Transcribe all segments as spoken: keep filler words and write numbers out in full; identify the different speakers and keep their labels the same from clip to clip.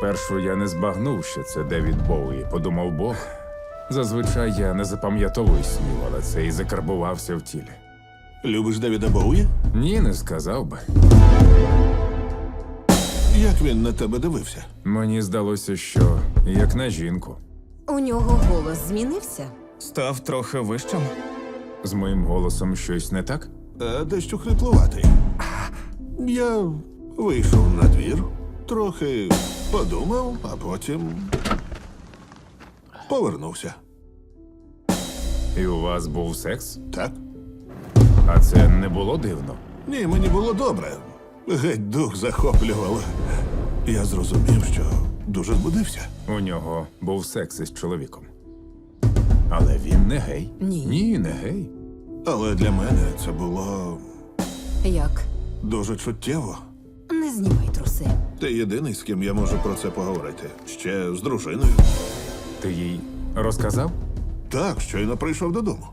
Speaker 1: Спершу я не збагнув, що це Девід Боуї, подумав Бог. Зазвичай я не запам'ятовую снів, але це і закарбувався в тілі.
Speaker 2: Любиш Девіда Боуї?
Speaker 1: Ні, не сказав би.
Speaker 2: Як він на тебе дивився?
Speaker 1: Мені здалося, що як на жінку.
Speaker 3: У нього голос змінився.
Speaker 4: Став трохи вищим.
Speaker 1: З моїм голосом щось не так?
Speaker 2: А дещо хриплуватий. Я вийшов на двір, трохи подумав, а потім повернувся.
Speaker 1: І у вас був секс?
Speaker 2: Так?
Speaker 1: А це не було дивно?
Speaker 2: Ні, мені було добре. Геть дух захоплювало. Я зрозумів, що дуже збудився.
Speaker 1: У нього був секс із чоловіком. Але він не гей.
Speaker 3: Ні.
Speaker 1: Ні, не гей.
Speaker 2: Але для мене це було
Speaker 3: Як?
Speaker 2: дуже чуттєво.
Speaker 3: Не знімай труси.
Speaker 2: Ти єдиний, з ким я можу про це поговорити. Ще з дружиною.
Speaker 1: Ти їй розказав?
Speaker 2: Так, щойно прийшов додому.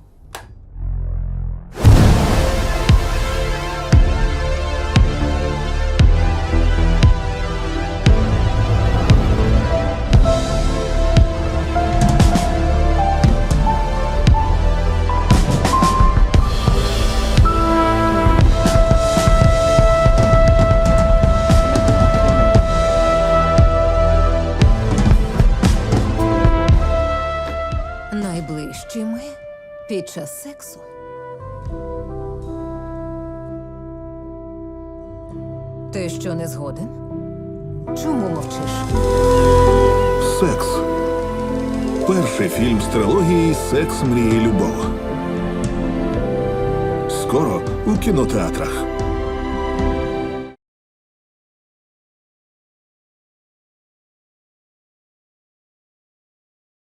Speaker 3: Найближчими під час сексу. Ти що, не згоден? Чому мовчиш?
Speaker 2: Секс. Перший фільм з трилогії «Секс, мрії, любов». Скоро у кінотеатрах.